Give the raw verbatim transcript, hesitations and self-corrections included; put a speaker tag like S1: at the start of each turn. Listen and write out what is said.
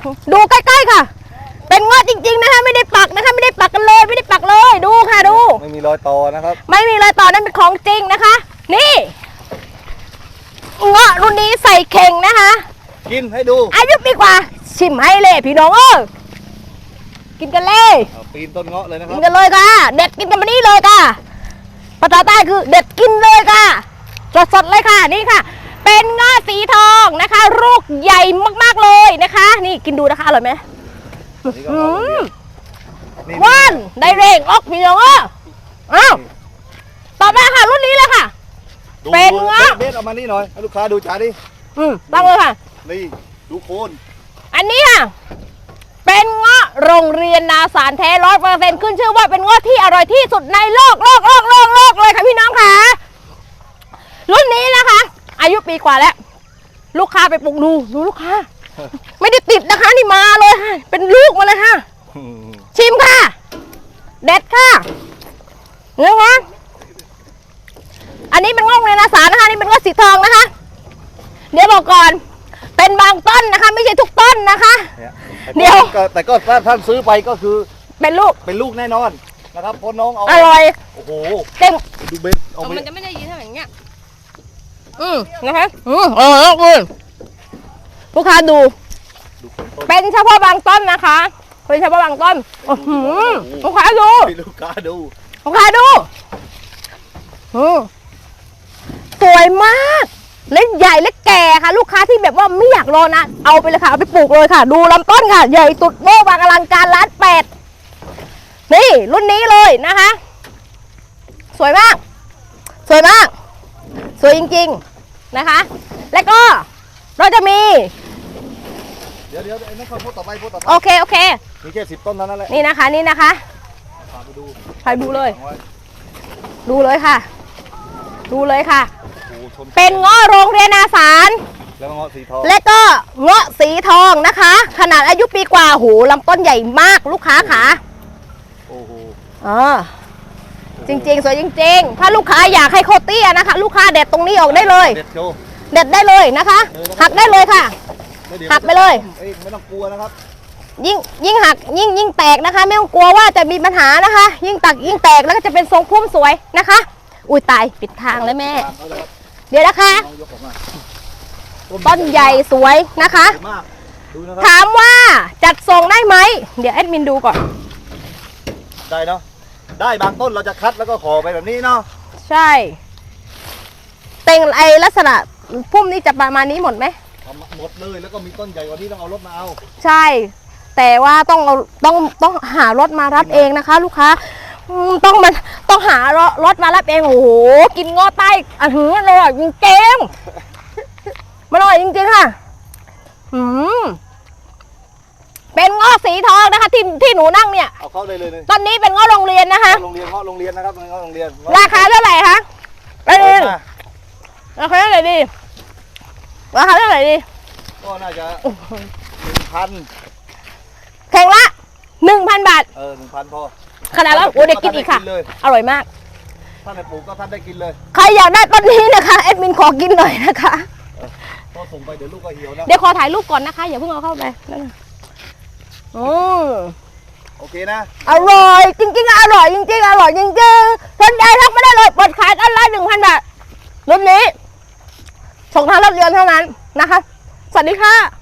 S1: ดูใกล้ๆค่ะเป็นเงาะจริงๆนะคะไม่ได้ปักนะคะไม่ได้ปักกันเลยไม่ได้ปักเลยดูค่ะดู
S2: ไม่มีรอยต่อนะครับ
S1: ไม่มีรอยต่อนั่นเป็นของจริงนะคะนี่เงาะรุ่นนี้ใส่เข่งนะคะ
S2: กินให้ดู
S1: อายุปีกว่าชิมให้เลยพี่น้องเออกินกันเลย
S2: ปีนต้นเงาะเลยนะครับ
S1: กินกันเลยค่ะเด็ดกินกันมานี่เลยค่ะภาษาใต้คือเด็ดกินเลยค่ะสดๆเลยค่ะนี่ค่ะเป็นเงาะสีทองนะคะลูกใหญ่มากๆเลยนะคะนี่กินดูนะคะอร่อยไหมว่านได้เร่งออกพี่น้องเอออ้าวต่อมาค่ะรุ่นนี้เลยค่ะเป็นเงาะ
S2: เบ็ดเอามานี่หน่อยให้ลูกค้าดูจานดิ
S1: อืมตั้งเลยค่ะ
S2: นี่ดูโคน
S1: อันนี้ค่ะเป็นเงาะโรงเรียนนาสารแท้ร้อยเปอร์เซ็นต์ขึ้นชื่อว่าเป็นเงาะที่อร่อยที่สุดในโลกโลกโลกโลกโลกเลยค่ะพี่น้องค่ะรุ่นนี้นะคะอายุปีกว่าแล้วลูกค้าไปปลูกดูดูลูกค้าไม่ได้ติดนะคะนี่มาเลยค่ะเป็นลูกมาเลยค่ะชิมค่ะเด็ดค่ะนะคะอันนี้เป็นเงาะโรงเรียนนาสารนะคะนี่เป็นเงาะสีทองนะคะเดี๋ยวบอกก่อนเป็นบางต้นนะคะไม่ใช่ทุกต้นนะคะ
S2: เดี๋ยวแต่ก็ถ้าท่านซื้อไปก็คือ
S1: เป็นลูก
S2: เป็นลูกแน่นอนนะครับเพราะน้องเอา
S1: อร่อย
S2: โอ้โห
S1: เต็ม
S2: ดูเบ็ดเอา
S1: มันจะไม่ได้ยินเท่าอย่างเงี้ยอืมนะคะอืมเออคุณลูกค้าดูเป็นเฉพาะบางต้นนะคะเป็นเฉพาะบางต้นโอ้โหลูกค้าดู
S2: ลูกค้าดู
S1: ลูกค้าดูอืมสวยมากเล็กใหญ่เล็กแก่ค่ะลูกค้าที่แบบว่าไม่อยากรอนะเอาไปเลยค่ะเอาไปปลูกเลยค่ะดูลำต้นค่ะใหญ่ตุดโบ้บางอลังการล้านแปดนี่รุ่นนี้เลยนะคะสวยมากสวยมากสวยจริงๆนะคะแล้วก็เราจะมี
S2: เดี๋ยวเดี๋ยวไอ้นั่นเขาพูดต่อไปพูดต่อไป
S1: โอเคโอเค
S2: มีแค่สิบต้นเท่านั้นแหละ
S1: นี่นะคะนี่นะคะ
S2: พาไปดู
S1: ไปดูเลยดูเลยค่ะดูเลยค่ะเป็นเงาะโรงเรียนอาสาร
S2: แล้วเงาะสีทอง
S1: และก็เงาะสีทองนะคะขนาดอายุปีกว่าหูลำต้นใหญ่มากลูกค้าค่ะ
S2: โอ้โห
S1: อ๋อจริงๆสวยจริงๆถ้าลูกค้าอยากให้โคตรเตี้ยนะคะลูกค้าเด็ดตรงนี้ออกได้เลย
S2: เด็ดโชว์
S1: เด็ดได้เลยนะคะหักได้เลยค่ะหักไปเลย
S2: ไม่ต้องกลัวนะครับ
S1: ยิ่งยิ่งหักยิ่งยิ่งแตกนะคะไม่ต้องกลัวว่าจะมีปัญหานะคะยิ่งตักยิ่งแตกแล้วก็จะเป็นทรงพุ่มสวยนะคะอุ้ยตายปิดทางเลยแม่เดี๋ยวนะคะต้นใหญ่สวยนะคะถามว่าจัดส่งได้ไหมเดี๋ยวแอดมินดูก่อน
S2: ได้เนาะได้บางต้นเราจะคัดแล้วก็ขอไปแบบนี้เนาะ
S1: ใช่เต็งไอลักษณะพุ่มนี้จะประมาณนี้หมดไหม
S2: หมดเลยแล้วก็มีต้นใหญ่กว่านี้ต้องเอารถมาเอา
S1: ใช่แต่ว่าต้องเอาต้องต้องหารถมารับเองนะคะลูกค้าต้องมันต้องหารถมารับเองโอ้โหกินงอใต้อ่ะหืออร่อยจริงเก่งมันอร่อยจริงๆค่ะอืมเป็นงอสีทองนะคะที่ที่หนูนั่งเนี่ย
S2: เอาเข้าเลยเลย
S1: ตอนนี้เป็นงอโรงเรียนนะคะ
S2: โรงเรียนงอโรงเรียนนะครับงอโรงเรียน
S1: ราคาเท่าไหร่คะราคาราคาเท่าไหร่ดีราคาเท่าไหร่ดี
S2: ก็น่าจะหนึ่งพัน
S1: แข่งละหนึ่งพันบาท
S2: เออหนึ่งพันพอ
S1: ขนาดแล้วโอ้เด็กกินอีกค่ะอร่อยมาก
S2: ท่านในปลูกก็ท่านได้กินเลย
S1: ใครอยากได้ต้นนี้นะคะแอดมินขอกินหน่อยนะคะ
S2: พอส่งไปเดี๋ยวลูกก็เหี่ยวนะ
S1: เดี๋ยวขอถ่ายรูปก่อนนะคะอย่าเพิ่งเอาเข้าไปโอ้
S2: โอเคนะ
S1: อร่อยจริงๆอร่อยจริงๆอร่อยจริงๆสนใจทักไม่ได้เลยเปิดขายต้นละหนึ่งพันบาทรุ่นนี้ส่งทางรับเรียนเท่านั้นนะคะสวัสดีค่ะ